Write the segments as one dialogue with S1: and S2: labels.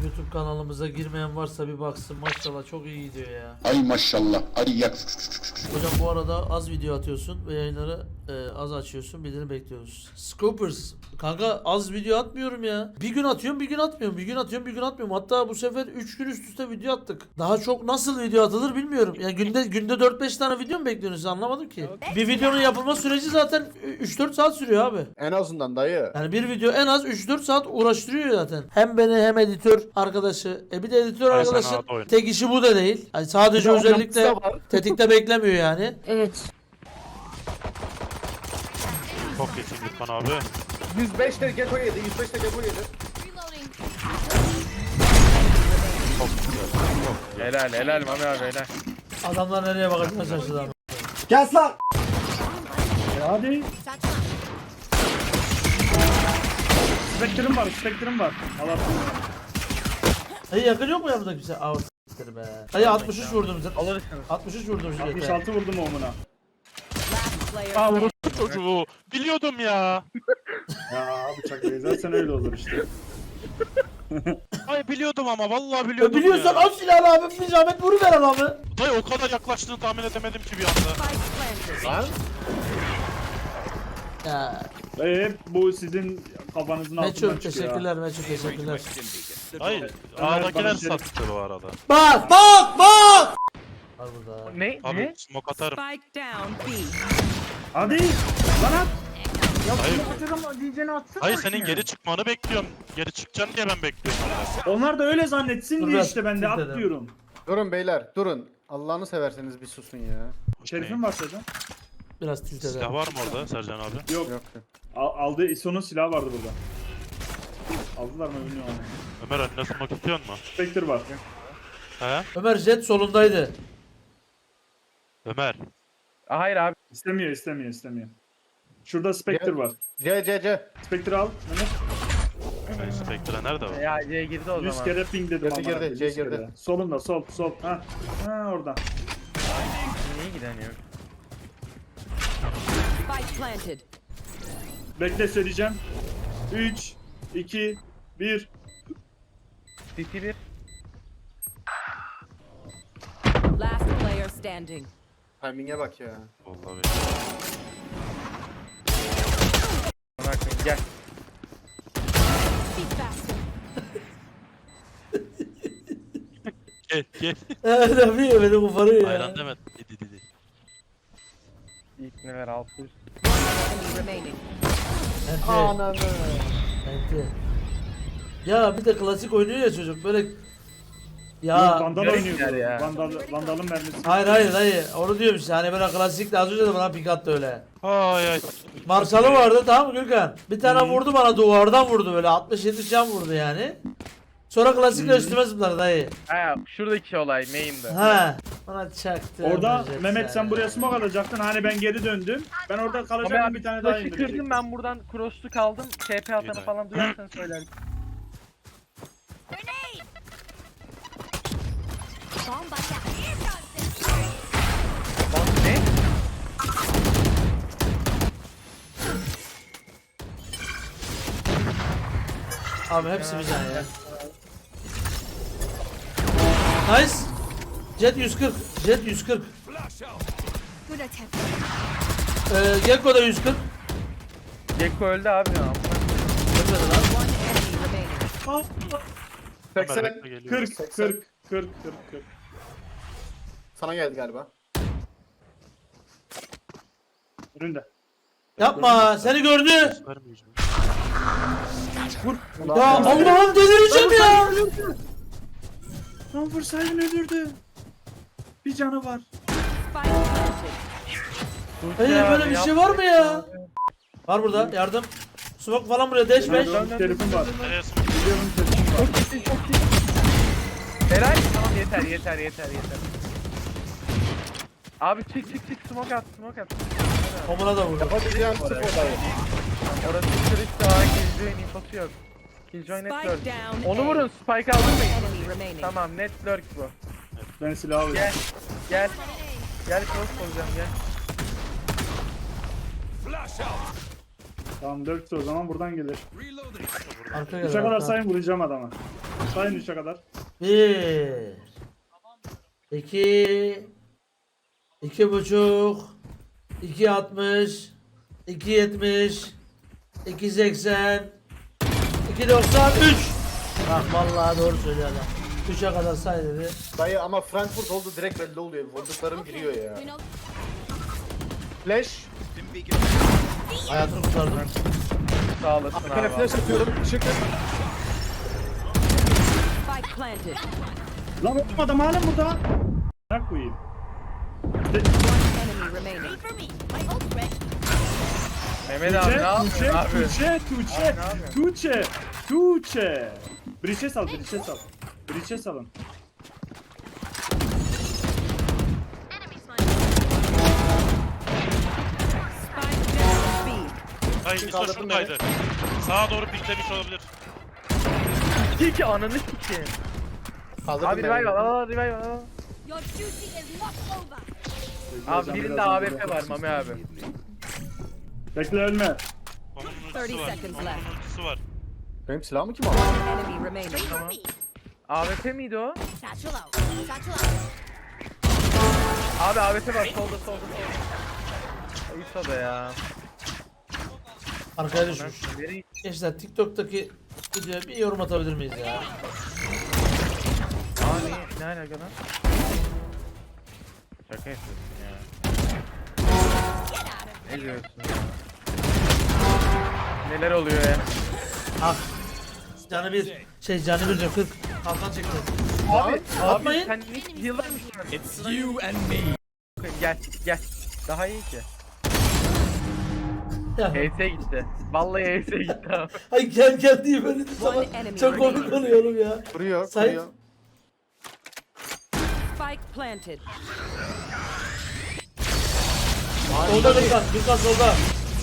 S1: YouTube kanalımıza girmeyen varsa bir baksın, maşallah çok iyi gidiyor ya.
S2: Ay maşallah. Ay yak.
S1: Hocam bu arada az video atıyorsun ve yayınları az açıyorsun, bildirim bekliyoruz. Scoopers kanka az video atmıyorum ya. Bir gün atıyorum bir gün atmıyorum, bir gün atıyorum bir gün atmıyorum. Hatta bu sefer 3 gün üst üste video attık. Daha çok nasıl video atılır bilmiyorum. Yani günde 4-5 tane video mu bekliyorsunuz, anlamadım ki. Bir videonun yapılma süreci zaten 3-4 saat sürüyor abi.
S3: En azından dayı.
S1: Yani bir video en az 3-4 saat uğraştırıyor zaten. Hem beni hem editör arkadaşı. Bir de editör
S4: Ay sen
S1: arkadaşın
S4: rahat oyna.
S1: tek işi bu da değil. Yani sadece
S3: Bir de
S1: özellikle
S3: yapısı da var.
S1: tetikte beklemiyor yani.
S5: Evet.
S4: Çok geçin Gürkan abi.
S3: 105 de Gecko yedi. 105 de Gecko yedi.
S4: Çok güzel.
S6: Helal helal Mami abi helal.
S1: Adamlar nereye bakacağını şaşırdı abi.
S3: Kes lan.
S7: Hadi. Spectre'ım var, Spectre'ım var. Allah
S1: Hayır yakın yok mu yanımda kimse? Aa s**tir be. Hayır 63 vurdum.
S6: Alırsınız.
S1: 63 vurdum şu
S7: 66 vurdum omuna.
S4: Aa vurdu çocuğu. Biliyordum ya.
S7: Ya bıçak zaten öyle olur işte.
S4: Ay biliyordum ama vallahi biliyordum
S1: Biliyorsan
S4: ya.
S1: al silahını abi, bir zahmet vuruver adamı.
S4: Dayı o kadar yaklaştığını tahmin edemedim ki bir anda.
S3: Lan.
S1: Ya
S7: Bu sizin kafanızın altından
S1: Meçhul
S7: çıkıyor.
S1: teşekkürler, Meçhul teşekkürler.
S4: Hayır.
S7: Ömer,
S4: A'dakiler
S7: bana şey-
S4: sattı bu arada.
S1: Bak! Var burada.
S6: Ne?
S4: Abi
S6: Ne?
S4: smoke atarım.
S5: Spike down B.
S7: Hadi. Lan at. Ya
S4: Hayır.
S7: bunu atalım diyeceğini atsana.
S4: Hayır
S7: bakayım.
S4: senin geri çıkmanı bekliyorum. Geri çıkacaksın diye ben bekliyorum.
S7: Onlar da öyle zannetsin
S1: Dur
S7: diye
S1: biraz
S7: işte ben de
S1: tilt
S7: at
S1: edem.
S7: diyorum.
S3: Durun beyler durun. Allah'ını severseniz bir susun ya.
S7: Şerif'in var Sercan.
S1: Biraz tilt
S4: Silah
S1: eder.
S4: var mı orada Sercan abi?
S7: Yok.
S3: Yok.
S7: Aldığı ISO'nun silahı vardı burada. Aldılar mı bilmiyorum.
S4: Ömer önüne smoke istiyor mu?
S7: Spectre var.
S4: He?
S1: Ömer jet solundaydı.
S4: Ömer.
S6: Hayır abi.
S7: İstemiyor. Şurada Spectre var.
S3: C.
S7: Spectre al. Mehmet.
S4: Ay Spectre nerede var?
S6: Ya C girdi o
S7: 100
S6: zaman.
S7: kere ping dedim
S3: Girdi,
S7: ama.
S3: girdi,
S7: 100
S3: C
S7: kere.
S3: girdi.
S7: Solunda sol. Ha orada.
S6: Niye gidemiyor?
S5: Spike planted.
S7: Bekle söyleyeceğim. 3, 2, 1.
S6: CT 1.
S5: Last player standing.
S3: Timing'e bak ya.
S4: Vallahi
S6: Bakın gel.
S5: Be faster.
S4: Gel.
S1: Evet abi beni koparıyor ya.
S4: Ayran deme. Didi.
S6: İlk neler 600.
S5: Enemy remaining.
S1: Ente.
S3: Ananı.
S1: Ente. Ya bir de klasik oynuyor ya çocuk böyle.
S7: Ya,
S1: Ya
S7: Vandal
S6: garip
S7: oynuyordu.
S6: yer ya.
S7: Vandal'ın mermisi.
S1: hayır onu diyorum işte, hani böyle klasik de az önce de bana pik attı öyle.
S4: Ay.
S1: Marşalı vardı, tamam mı Gürkan? Bir tane vurdu bana, duvardan vurdu böyle 60-70 can vurdu yani. Sonra klasikle üstüme zıpladı dayı.
S6: Ha şuradaki olay main'de.
S1: Ha. Bana çaktı.
S7: Orada
S1: Jet
S7: Mehmet
S1: yani.
S7: sen buraya smoke alacaktın. Hani ben geri döndüm. Ben orada
S6: Ama
S7: kalacaktım,
S6: ben
S7: bir tane daha
S6: flash'ı
S7: indirecektim.
S6: kırdım ben buradan cross'lu kaldım. TP atanı
S4: Güzel.
S6: falan duyarsan söylerim. Bak ne?
S1: Abi hepsi bir can ya. Nice. Jet 140. Jet 140.
S5: Good attempt.
S1: Gekko da 140.
S6: Gekko öldü abi ya.
S1: Ölmedi lan.
S5: One enemy remaining.
S4: Ömer
S3: 80.
S4: bekle geliyor.
S7: 40.
S3: Sana geldi galiba.
S7: Önünde.
S1: Yapma, seni gördü.
S4: Vermeyeceğim.
S1: Ya Allah'ım delireceğim ya.
S7: Lan vursaydın ölürdü. Bir canı var.
S5: Spike planted.
S1: Hayır böyle bir şey var mı ya? Var burada yardım. Smoke falan buraya dash 5.
S7: Şerif'im var.
S4: Nereye smoke?
S7: Biliyorum Şerif'im var.
S6: Çok iyisin çok iyi. Helal tamam yeter. Abi çık smoke at.
S1: Omuna da vurdu.
S3: Yapabileceğim sıfır dayı.
S6: Orası kırık daha Killjoy'un infosu yok. Killjoy net
S5: Spike
S6: lurk.
S5: down.
S6: Onu
S5: A.
S6: vurun spike aldırmayın.
S5: Enemy remaining.
S6: Tamam net lurk bu.
S7: Ben silah alıyorum.
S6: Gel. Gel cross olacağım gel.
S7: Tamam 4 o zaman buradan gelir.
S1: Arka
S7: 3'e
S1: gel.
S7: kadar
S1: arka.
S7: sayın vuracağım adama. Sayın 3'e kadar.
S1: 1 2 2,5 2,60 2,70 2,80 2,93. Bak vallahi doğru söylüyor adam. 3'e kadar say dedi.
S3: Dayı ama Frankfurt oldu direkt belli oluyor. Vurduklarım giriyor ya. Flash.
S1: Hayatını kurtardım.
S6: Sağ olasın
S3: Arkana
S6: abi.
S3: flash atıyorum. Işık.
S5: Spike planted.
S7: Lan oğlum adam hala burada. Bırak koyayım.
S5: Enemy remaining.
S6: Mehmet abi ne yapıyorsun abi?
S7: Tuğçe. Breach'e sal. Breach'e salın.
S5: Spike down B.
S4: Hayır, ISO
S3: kaldırdım
S4: şuradaydı. Sağa doğru piklemiş olabilir.
S6: İki ananı sikeyim.
S3: Kaldırdım
S6: Abi revive al, al revive al.
S5: Your duty is not over.
S6: Abi birinde AWP var Mami abi.
S7: Bekle ölme.
S4: Onun
S5: 30
S4: ultisi var.
S5: seconds
S4: Onun
S5: left.
S4: ultisi var.
S3: Benim silahımı kim aldı?
S5: Enemy remaining.
S6: AWP miydi o?
S5: Satchel out. Satchel out.
S6: Abi AWP var solda. İso da ya.
S1: Arkaya düşmüş.
S6: Nereye
S1: Gençler TikTok'taki videoya bir yorum atabilir miyiz ya?
S6: Aa ne alaka lan? Şaka yapıyorsun ya. Ne diyorsun ya? Neler oluyor ya?
S1: Ah. Canı bir. Canı bir diyor 40. Kalkan çekti.
S6: Abi
S1: atmayın.
S6: Sen hiç yıllar mı şu an? It's you and me. Gel. Daha iyi ki.
S1: Ya.
S6: HS gitti. Vallahi HS gitti abi.
S1: Ay gel diye böyle bir zaman.
S5: enemy
S1: Çok komik
S5: remaining.
S1: oluyorum ya.
S3: Vuruyor.
S1: Say-
S3: Vuruyor.
S5: Spike planted.
S1: Solda Gürkan solda.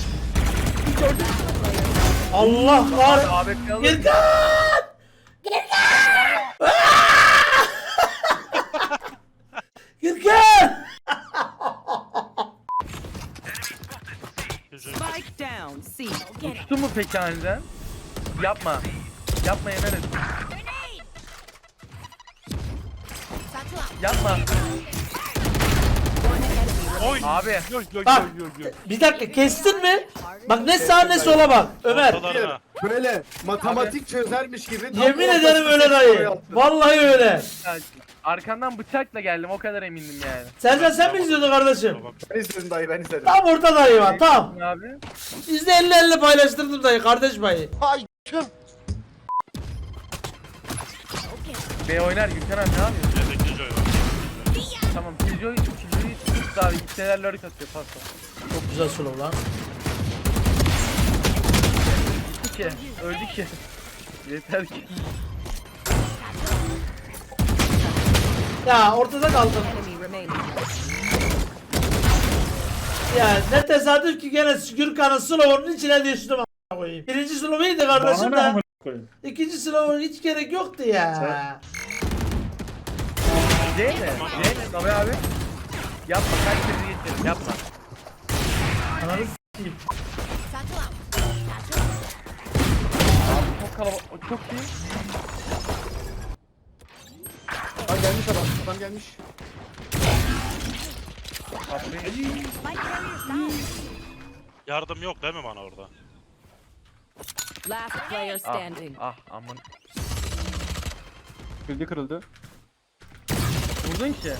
S1: Allah var.
S6: AWP alır.
S1: Gürkan! Gürkan!
S4: Gözüm.
S5: Spike down C.
S6: Uçtu mu peki aniden? Yapma. Yapma yemin et. Yapma.
S5: One enemy
S4: Oy.
S6: Abi.
S1: Bak bir dakika kestin mi? Bak ne sağa ne sola bak Ömer.
S4: Ortalarına.
S3: Böyle matematik çözermiş gibi. tam
S1: Yemin
S3: ortasına
S1: ederim öyle
S3: tek
S1: dayı.
S3: soru yaptı.
S1: Vallahi öyle.
S6: Arkandan bıçakla geldim o kadar emindim yani.
S1: Sercan sen mi izliyordun kardeşim?
S4: Tamam.
S3: Ben izledim dayı ben izledim.
S1: Tam orta dayı var tam.
S6: Abi.
S1: Bizde 50-50 paylaştırdım dayı kardeş payı.
S6: B oynar Gülten abi ne yapıyorsun?
S4: Yedek Killjoy var.
S6: Tamam Killjoy tut abi gitseler lurk atıyor pasta.
S1: Çok güzel slow lan.
S6: Gitti ki öldü ki. Yeter ki.
S1: Ya ortada kaldım.
S5: enemy remaining.
S1: Ya ne tesadüf ki gene Gürkan'ın slow'unun içine düştüm a**a koyayım. Birinci slow iyiydi kardeşim
S7: Bana ne
S1: de.
S7: amına koyayım.
S1: İkinci slow'un hiç gerek yoktu ya.
S6: C mi? Tabii abi. Yapma kaç kere geçelim yapma.
S1: Ananı s**eyim.
S6: Çok kalabalık o çok iyi.
S3: Lan gelmiş adam. Adam gelmiş.
S4: Yardım yok değil mi bana orada?
S5: Last player standing.
S6: Aman.
S3: Kırıldı.
S6: Vurdun ki.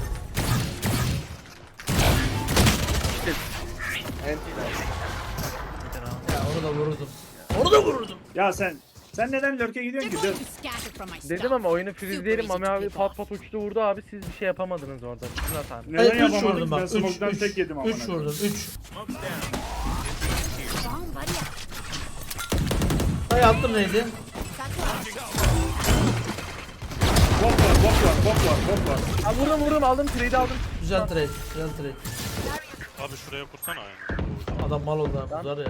S1: Ya onu da vururdum. Onu da vururdum.
S7: Ya sen neden lurk'e gidiyorsun ki? Dur.
S6: Dedim ama oyunu freezeleyelim Mami abi pat uçtu vurdu abi siz bir şey yapamadınız orada. Bütün hatan.
S7: Neden
S1: Hayır 3
S7: yapamadık?
S1: vurdum
S7: Ben
S1: bak.
S7: smoke'dan
S1: 3
S7: tek yedim amına.
S1: 3 vurdum 3. Dayı attım neydi?
S7: Bok var.
S6: Ha vurdum aldım trade'i aldım.
S1: Güzel trade.
S4: Abi şuraya kursana yani.
S1: Adam mal oldu ha bunlar ya.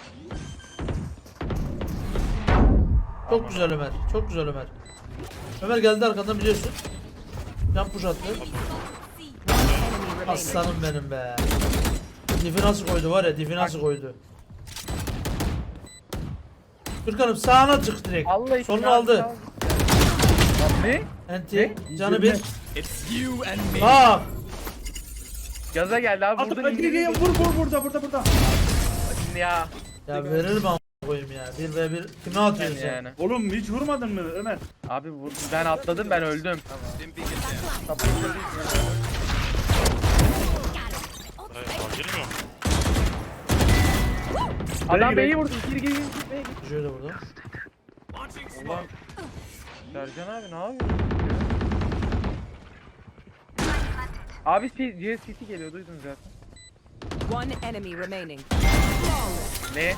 S1: Çok güzel Ömer. Çok güzel Ömer. Ömer geldi arkandan biliyorsun. Can push attı.
S5: Enemy remaining.
S1: Aslanım benim be. Difi nasıl koydu var ya difi nasıl koydu. Gürkan'ım sağına çık direkt.
S6: Allah için
S1: Sonunu
S6: abi,
S1: aldı.
S6: sağ ol. Ne?
S1: Enti. Canı
S7: Üzülme.
S1: bir. Bak.
S6: Gaza geldi abi.
S7: Atı
S6: Burada
S7: gel vur burada.
S6: ya.
S1: Ya verir mi koyayım ya. 1v1 kime atıyorsun sen?
S6: Yani.
S7: Oğlum hiç vurmadın mı Ömer?
S6: Abi vurdum. Ben atladım, ben öldüm.
S4: Hayır, girmiyor.
S6: Adam
S7: gir.
S6: B'yi vurdu. Gir.
S1: Şöyle burada.
S6: Ulan. Sercan abi ne yapıyorsun? Abi GSCT geliyor, duydun zaten.
S2: One enemy remaining.
S6: Ne?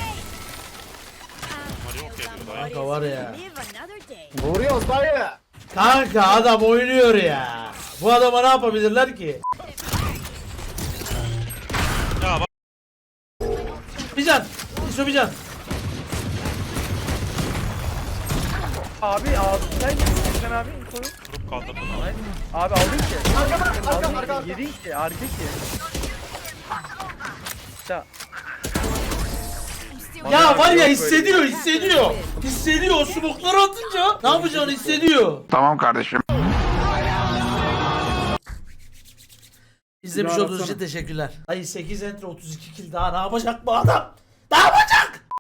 S4: Mario geliyor daha.
S1: Kanka var ya.
S5: Live another day.
S3: Vuruyoruz dayı.
S1: Kanka adam oynuyor ya. Bu adama ne yapabilirler ki?
S4: Ya bak.
S1: Bir can. İso bir can.
S6: Abi sen sen abi infoyu.
S4: Vurup kaldırdım.
S6: Abi aldın ki.
S3: Arka.
S6: Aldın ki. Yedin ki. Arka ki. Ya.
S1: Ya var ya
S6: Yok
S1: hissediyor. Hissediyor. O smokları atınca ne yapacağını hissediyor.
S8: Tamam kardeşim.
S1: İzlemiş
S7: Bir daha
S1: olduğunuz için
S7: atsana.
S1: teşekkürler. Ay 8 enter 32 kill daha ne yapacak bu adam? Ne yapacak?